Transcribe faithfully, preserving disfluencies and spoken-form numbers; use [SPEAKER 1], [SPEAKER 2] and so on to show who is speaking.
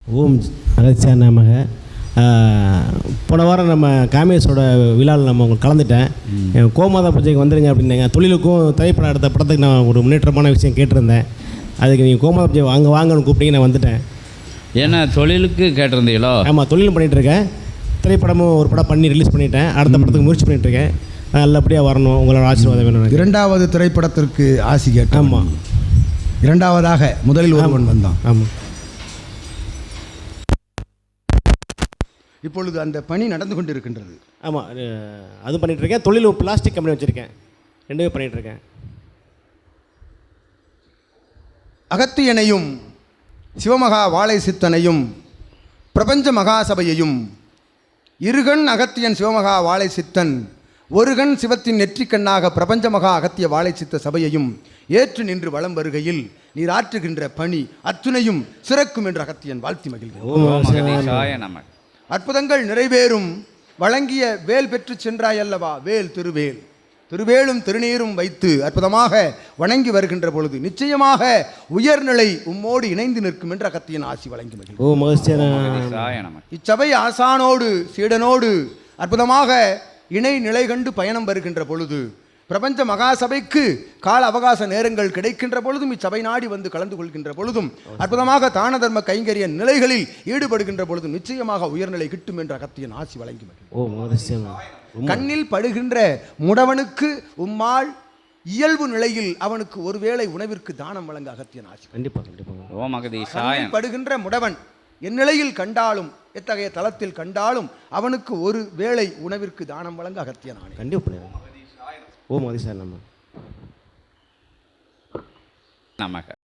[SPEAKER 1] ஓம் அகத்தியா நமக. போன வாரம் நம்ம காமேஷோட விழாவில் நம்ம உங்களுக்கு கலந்துட்டேன். கோமாதா பூஜைக்கு வந்துடுங்க அப்படின்னாங்க. தொழிலுக்கும் திரைப்படம் எடுத்த படத்துக்கு நான் ஒரு முன்னேற்றமான விஷயம் கேட்டிருந்தேன். அதுக்கு நீங்கள் கோமாதா பூஜை வாங்க வாங்கன்னு கூப்பிட்டீங்க, நான் வந்துட்டேன்.
[SPEAKER 2] ஏன்னா தொழிலுக்கு கேட்டிருந்தீங்களோ?
[SPEAKER 1] ஆமாம், தொழிலும் பண்ணிகிட்ருக்கேன். திரைப்படமும் ஒரு படம் பண்ணி ரிலீஸ் பண்ணிட்டேன். அடுத்த படத்துக்கு முயற்சி பண்ணிகிட்ருக்கேன். நல்லபடியாக வரணும், உங்களோட ஆசீர்வாதம் வேணும்.
[SPEAKER 3] இரண்டாவது திரைப்படத்திற்கு ஆசி கேட்டேன்.
[SPEAKER 1] ஆமாம்,
[SPEAKER 3] இரண்டாவதாக முதலில் ஒருவன் வந்தான்.
[SPEAKER 1] ஆமாம்.
[SPEAKER 3] இப்பொழுது அந்த பணி நடந்து கொண்டு இருக்கின்றது.
[SPEAKER 1] ஆமாம், அது பண்ணிகிட்ருக்கேன். தொழில் பிளாஸ்டிக் கம்பெனி வச்சுருக்கேன். ரெண்டுமே பண்ணிகிட்ருக்கேன்.
[SPEAKER 3] அகத்தியனையும் சிவமகா வாழை சித்தனையும் பிரபஞ்ச மகாசபையையும் இருகண் அகத்தியன் சிவமகா வாழை சித்தன் ஒருகண் சிவத்தின் நெற்றிக்கண்ணாக பிரபஞ்ச மகா அகத்திய வாழை சித்த சபையையும் ஏற்று நின்று வலம் வருகையில் நீர் ஆற்றுகின்ற பணி அத்துணையும் சிறக்கும் என்று அகத்தியன் வாழ்த்தி மகிழ்கிறேன். அற்புதங்கள் நிறைவேறும். வழங்கிய வேல் பெற்று சென்றாய் அல்லவா, வேல் திருவேல். திருவேலும் திருநீரும் வைத்து அற்புதமாக வணங்கி வருகின்ற பொழுது நிச்சயமாக உயர்நிலை உம்மோடு இணைந்து நிற்கும் என்று அகத்தியன் ஆசி வழங்கி மகிழ்கிறேன். இச்சபை ஆசானோடு சீடனோடு அற்புதமாக இணை நிலை கண்டு பயணம் வருகின்ற பொழுது பிரபஞ்ச மகாசபைக்கு கால அவகாச நேரங்கள் கிடைக்கின்ற பொழுதும் இச்சபை நாடி வந்து கலந்து கொள்கின்ற பொழுதும் அற்புதமாக தான தர்ம கைங்கரிய நிலைகளில் ஈடுபடுகின்ற பொழுதும் நிச்சயமாக உயர்நிலை கிட்டும் என்ற அகத்தியன் ஆசி வழங்கி மகிழ்கிறேன். கண்ணில் படுகின்ற முடவனுக்கு உம்மாள் இயல்பு நிலையில் அவனுக்கு ஒருவேளை உணவிற்கு தானம் வழங்க அகத்தியன் ஆசி. கண்ணில் படுகின்ற முடவன் என் நிலையில் கண்டாலும் எத்தகைய தளத்தில் கண்டாலும் அவனுக்கு ஒரு வேளை உணவிற்கு தானம் வழங்க அகத்தியன் ஆணை.
[SPEAKER 1] கண்டிப்பாக. ஓம் அதிசாய நமக.